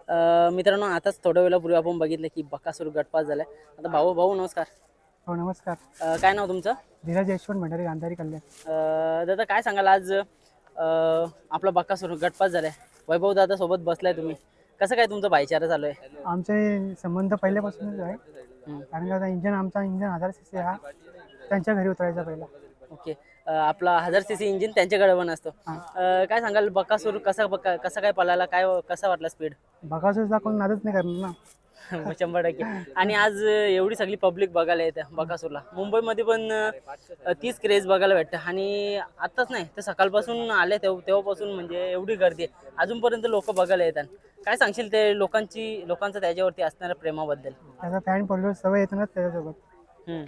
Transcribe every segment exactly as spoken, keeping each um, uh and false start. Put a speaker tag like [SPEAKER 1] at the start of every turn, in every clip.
[SPEAKER 1] अ, मित्रांनो आताच थोड्या वेळापूर्वी आपण बघितलं की बकासूर गटपास झालाय. आता भाऊ भाऊ नमस्कार.
[SPEAKER 2] हो नमस्कार.
[SPEAKER 1] अ, काय नाव तुमचं?
[SPEAKER 2] धीरज यशवंत भंडारी गांधारी कल्याण.
[SPEAKER 1] अ, दादा काय सांगाल आज अ, आपला बकासूर गटपास झालाय. वैभव दादा सोबत बसलाय तुम्ही. कसं काय तुमचा भाईचारा चालू आहे?
[SPEAKER 2] आमचे संबंध पहिल्यापासूनच आहे.
[SPEAKER 1] हम्म.
[SPEAKER 2] कारण का आता इंजन आमचा इंजन हजार सी सी हा त्यांच्या घरी उतरायचा पहिला.
[SPEAKER 1] ओके. अ, आपला हजार सी सी इंजिन त्यांच्याकडे पण असतो.
[SPEAKER 2] हा.
[SPEAKER 1] अ, काय सांगाल बकासूर कसा बका कसा काय पळाला, काय कसा वाटला स्पीड?
[SPEAKER 2] बकासूरचा कोण नादच नाही करणार ना.
[SPEAKER 1] शंभर टक्के. आणि आज एवढी सगळी पब्लिक बघायला येते बकासूरला. मुंबईमध्ये पण अ, तीच क्रेज बघायला भेटतं आणि आत्ताच नाही तर सकाळपासून आले तेव्हा तेव्हापासून म्हणजे एवढी गर्दी आहे. अजूनपर्यंत लोक बघायला येतात. काय सांगशील ते लोकांची लोकांचं त्याच्यावरती असणाऱ्या प्रेमाबद्दल?
[SPEAKER 2] त्याचा फॅन पडलो सवय येते ना त्याच्यासोबत.
[SPEAKER 1] हम्म.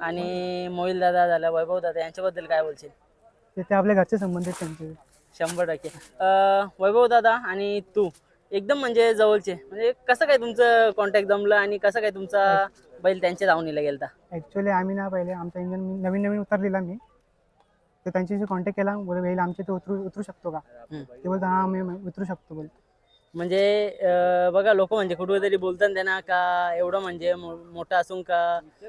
[SPEAKER 1] आणि मोहिल दादा झाला, वैभव दादा यांच्याबद्दल काय बोलशील?
[SPEAKER 2] ते ते आपल्या घरचे संबंध आहेत त्यांचे.
[SPEAKER 1] शंभर टक्के. अ, वैभव दादा आणि तू एकदम म्हणजे जवळचे, म्हणजे कसं काय तुमचं कॉन्टॅक्ट जमलं आणि कसं काय तुमचा बैल त्यांच्या दावणीला गेलता?
[SPEAKER 2] ॲक्च्युली आम्ही ना पहिले आमचा इंजन नवीन नवीन उतरलेला मी, तर त्यांच्याशी कॉन्टॅक्ट केला. बोल बैल आमच्या इथे उतरू उतरू शकतो का?
[SPEAKER 1] हम्म.
[SPEAKER 2] ते बोलतो हां मी उतरू शकतो बोल.
[SPEAKER 1] म्हणजे अ, बघा लोक म्हणजे कुठेतरी बोलतात त्यांना का एवढं म्हणजे मो- मोठा असून का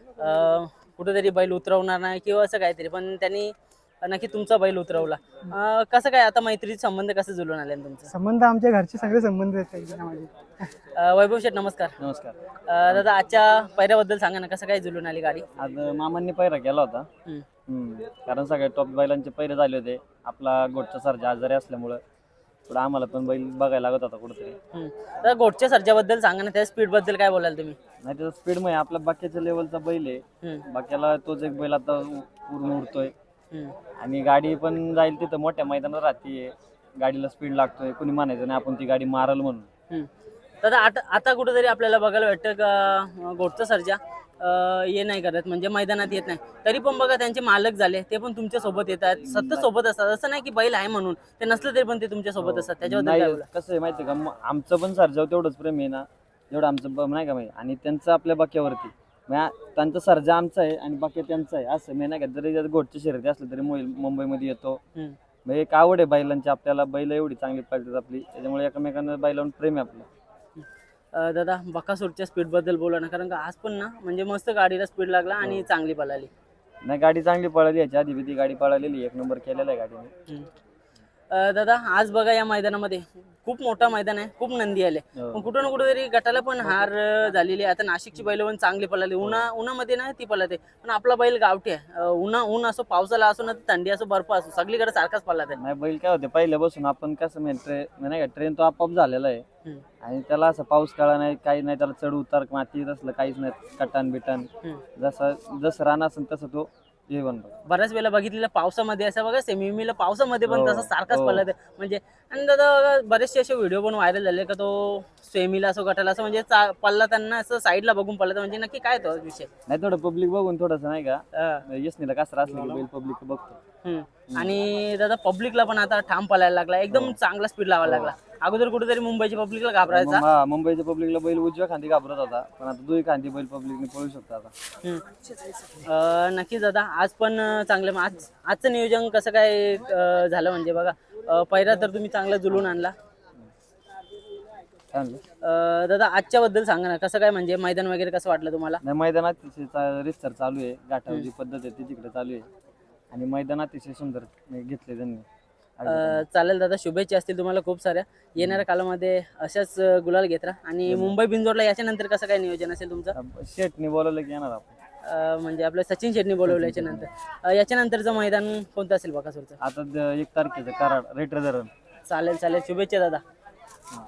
[SPEAKER 1] अ, कुठेतरी बैल उतरवणार नाही किंवा असं काहीतरी, पण त्यांनी नक्की तुमचा बैल उतरवला. अ, कसं काय आता मैत्रीचे संबंध कसं जुळून आले तुमचं?
[SPEAKER 2] संबंध आमच्या घरचे सगळे संबंध आहेत त्या इंजनामध्ये.
[SPEAKER 1] अ, वैभव शेठ नमस्कार.
[SPEAKER 3] नमस्कार.
[SPEAKER 1] अ, दादा आजच्या पहिऱ्याबद्दल सांगा ना, कसं काय जुळून आली गाडी?
[SPEAKER 3] आज मामांनी पैरा केला होता.
[SPEAKER 1] हम्म.
[SPEAKER 3] हम्म. कारण सगळे टॉप बैलांचे पैरे झाले होते. आपला गोटचा सरजा आजारी असल्यामुळं थोडं आम्हाला पण बैल बघायला लागत होता कुठेतरी.
[SPEAKER 1] हम्म. दादा गोटच्या सर्जाबद्दल सांगा ना, त्या स्पीड बद्दल काय बोलाल तुम्ही?
[SPEAKER 3] नाही त्याचा स्पीड मध्ये आपल्या बाकीच्या लेवलचा बैल आहे.
[SPEAKER 1] हम्म.
[SPEAKER 3] बाकीला तोच एक बैल आता पूर्ण उडतोय
[SPEAKER 1] हम्म.
[SPEAKER 3] आणि गाडी पण जाईल तिथं मोठ्या मैदानात राहते. गाडीला स्पीड लागतोय, कोणी म्हणायचं नाही आपण ती गाडी मारल म्हणून.
[SPEAKER 1] हम्म. दादा आता आता कुठेतरी आपल्याला बघायला भेटतं का अं, गोटचा सर्जा अं, हे नाही करत, म्हणजे मैदानात येत नाही, तरी पण बघा त्यांचे मालक झाले ते पण तुमच्या सोबत येतात, सतत सोबत असतात. असं नाही की बैल आहे म्हणून ते नसलं तरी पण ते तुमच्या सोबत असतात. त्याच्याबद्दल काय
[SPEAKER 3] नाही
[SPEAKER 1] बोला?
[SPEAKER 3] कसं आहे माहिती आहे का, म- आमचं पण सरजाव तेवढंच प्रेम आहे ना जेवढं आमचं ब- नाही का माहिती, आणि त्यांचं आपल्या बाक्यावरती म्हणजे त्यांचा सर्जा आमचा आहे आणि बाकी त्यांचा आहे. असं मी नाही का, जरी जर गोटची शर्यती असलं तरी मोबाईल मुंबईमध्ये येतो.
[SPEAKER 1] हम्म.
[SPEAKER 3] म्हणजे एक आवड आहे बैलांची आपल्याला, बैल एवढी चांगली पाळतात आपली, त्याच्यामुळे एकमेकांना बैलावरून प्रेम आहे आपलं.
[SPEAKER 1] अं, दादा बकासूरच्या स्पीड बद्दल बोला ना, कारण का आज पण ना म्हणजे मस्त गाडीला स्पीड लागला आणि चांगली पळाली.
[SPEAKER 3] नाही गाडी चांगली पळाली, याच्या आधी बी ती गाडी पळालेली, एक नंबर केलेला आहे गाडीने.
[SPEAKER 1] हम्म. अं, दादा आज बघा या मैदानामध्ये खूप मोठा मैदान आहे, खूप नंदी आले,
[SPEAKER 3] हो.
[SPEAKER 1] पण कुठं ना कुठेतरी गटाला पण हार अं, झालेली आहे. आता नाशिकची बैल पण चांगली पळाली, उन्हा उन्हामध्ये नाही ती पळते, पण आपला बैल गावठी आहे. अं, उन्हा ऊन असो, पावसाला असो ना थंडी असो, बर्फ असो, सगळीकडे सारखाच पळत आहे.
[SPEAKER 3] नाही बैल काय होते पहिल्यापासून आपण कसं म्हणजे ट्रेन नाही का, ट्रेन तो आपोआप झालेला आहे
[SPEAKER 1] हम्म.
[SPEAKER 3] आणि त्याला असं पाऊस काळा नाही काही नाही, त्याला चढ उतार माती असलं काहीच नाही, कटान बिटान
[SPEAKER 1] हम्म.
[SPEAKER 3] जसं जसं रान असेल तसं तो हे बनतो.
[SPEAKER 1] बऱ्याच वेळेला बघितलेलं पावसामध्ये असं बघा, सेमीला पावसामध्ये पण
[SPEAKER 3] हो,
[SPEAKER 1] तसं सारखाच
[SPEAKER 3] हो.
[SPEAKER 1] पडला म्हणजे. आणि दादा बघा, बरेचसे असे व्हिडिओ पण व्हायरल झाले का तो सेमीला असो गटाला असं म्हणजे चा- पडला त्यांना असं साईडला बघून पडला, म्हणजे नक्की काय तो विषय?
[SPEAKER 3] नाही थोडं पब्लिक बघून थोडंसं नाही का,
[SPEAKER 1] अं,
[SPEAKER 3] यसनीला कसं असलं की बैल पब्लिक बघतो.
[SPEAKER 1] हम्म. आणि दादा पब्लिकला पण आता ठाम पळायला लागला, एकदम चांगला स्पीड लावायला लागला. अगोदर कुठेतरी मुंबईच्या पब्लिकला घाबरायचा.
[SPEAKER 3] मग हा, मुंबईच्या पब्लिकला बैल उजव्या खांदी घाबरत होता, पण आता दुई खांदी बैल पब्लिकने पळू शकतो आता.
[SPEAKER 1] हम्म. अं, नक्कीच दादा आज पण अं, चांगलं मग आज आजचं नियोजन कसं काय अं, झालं म्हणजे बघा, अं, पहिला तर तुम्ही चांगला जुलून आणला.
[SPEAKER 3] काय म्हणलं?
[SPEAKER 1] अं, दादा आजच्या बद्दल सांगा ना, कसं काय म्हणजे मैदान वगैरे कसं वाटलं तुम्हाला?
[SPEAKER 3] नाही मैदानात अतिशय रिस्तर चालू आहे, गाठावर जी पद्धत आहे ती तिकडे चालू आहे आणि मैदान अतिशय सुंदर घेतले त्यांनी.
[SPEAKER 1] अं, चालेल दादा, शुभेच्छा असतील तुम्हाला खूप साऱ्या. येणाऱ्या कालामध्ये अशाच अं, गुलाल घेत राहा. आणि मुंबई बिंजोडला याच्यानंतर कसं काय नियोजन असेल तुमचं?
[SPEAKER 3] शेटने बोलवलं की येणार आपण.
[SPEAKER 1] अं, म्हणजे आपलं सचिन शेट्टी बोलवलं याच्यानंतर. अं, याच्यानंतरचं मैदान कोणतं असेल बकासूरचं?
[SPEAKER 3] आता द- एक तारखेचं कराड रेटर धरण.
[SPEAKER 1] चालेल चालेल, शुभेच्छा दादा.